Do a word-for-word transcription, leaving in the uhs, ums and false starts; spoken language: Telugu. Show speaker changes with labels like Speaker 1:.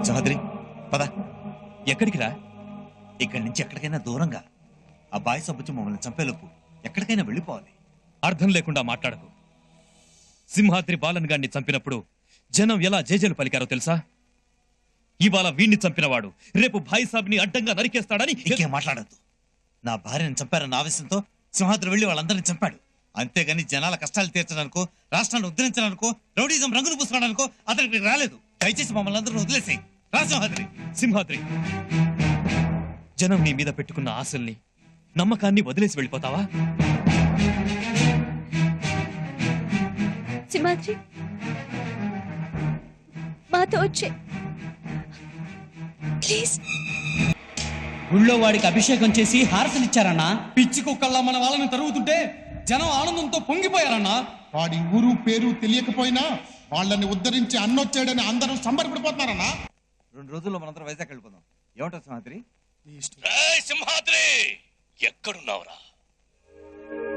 Speaker 1: సహోదరి పద. ఎక్కడికి రా? ఇక్కడి నుంచి ఎక్కడికైనా దూరంగా. ఆ బాయ్ సబ్బుచ్చి మమ్మల్ని చంపేలోపు ఎక్కడికైనా వెళ్ళిపోవాలి.
Speaker 2: అర్థం లేకుండా మాట్లాడకు. సింహాద్రి బాలన్ గారిని చంపినప్పుడు జనం ఎలా జేజేలు పలికారో తెలుసా? ఇవాళ వీణ్ణి చంపినవాడు రేపు భాయ్ సాబ్ని అడ్డంగా నరికేస్తాడని.
Speaker 1: ఇంకేం మాట్లాడద్దు. నా భార్యను చంపారన్న ఆవేశంతో సింహాద్రి వెళ్లి వాళ్ళందరినీ చంపాడు. అంతేగాని జనాల కష్టాలు తీర్చడానికో, రాష్ట్రాన్ని ఉద్ధరించడానికో, రౌడీజం రంగులు పూసుకోవడానికో అతనికి రాలేదు. దయచేసి మమ్మల్ని అందరూ వదిలేసాయి. రా సింహాద్రి.
Speaker 2: సింహాద్రి, జనం నీ మీద పెట్టుకున్న ఆశల్ని, నమ్మకాన్ని వదిలేసి వెళ్ళిపోతావా?
Speaker 3: సింహాద్రి, మాతో వచ్చే ప్లీజ్.
Speaker 4: గుళ్ళో వాడికి అభిషేకం చేసి హారతలిచ్చారన్నా.
Speaker 5: పిచ్చి కుక్కల్లా మన వాళ్ళని తరుగుతుంటే జనం ఆనందంతో పొంగిపోయారన్నా.
Speaker 6: వాడి ఊరు పేరు తెలియకపోయినా వాళ్ళని ఉద్ధరించి అన్నొచ్చాడని అందరూ సంబరపడిపోతున్నారన్నా.
Speaker 1: రెండు రోజుల్లో మనందరం వైజాగ్ వెళ్ళిపోదాం. ఏమంటారు సింహాద్రి?
Speaker 2: సింహాద్రి, ఎక్కడున్నావురా?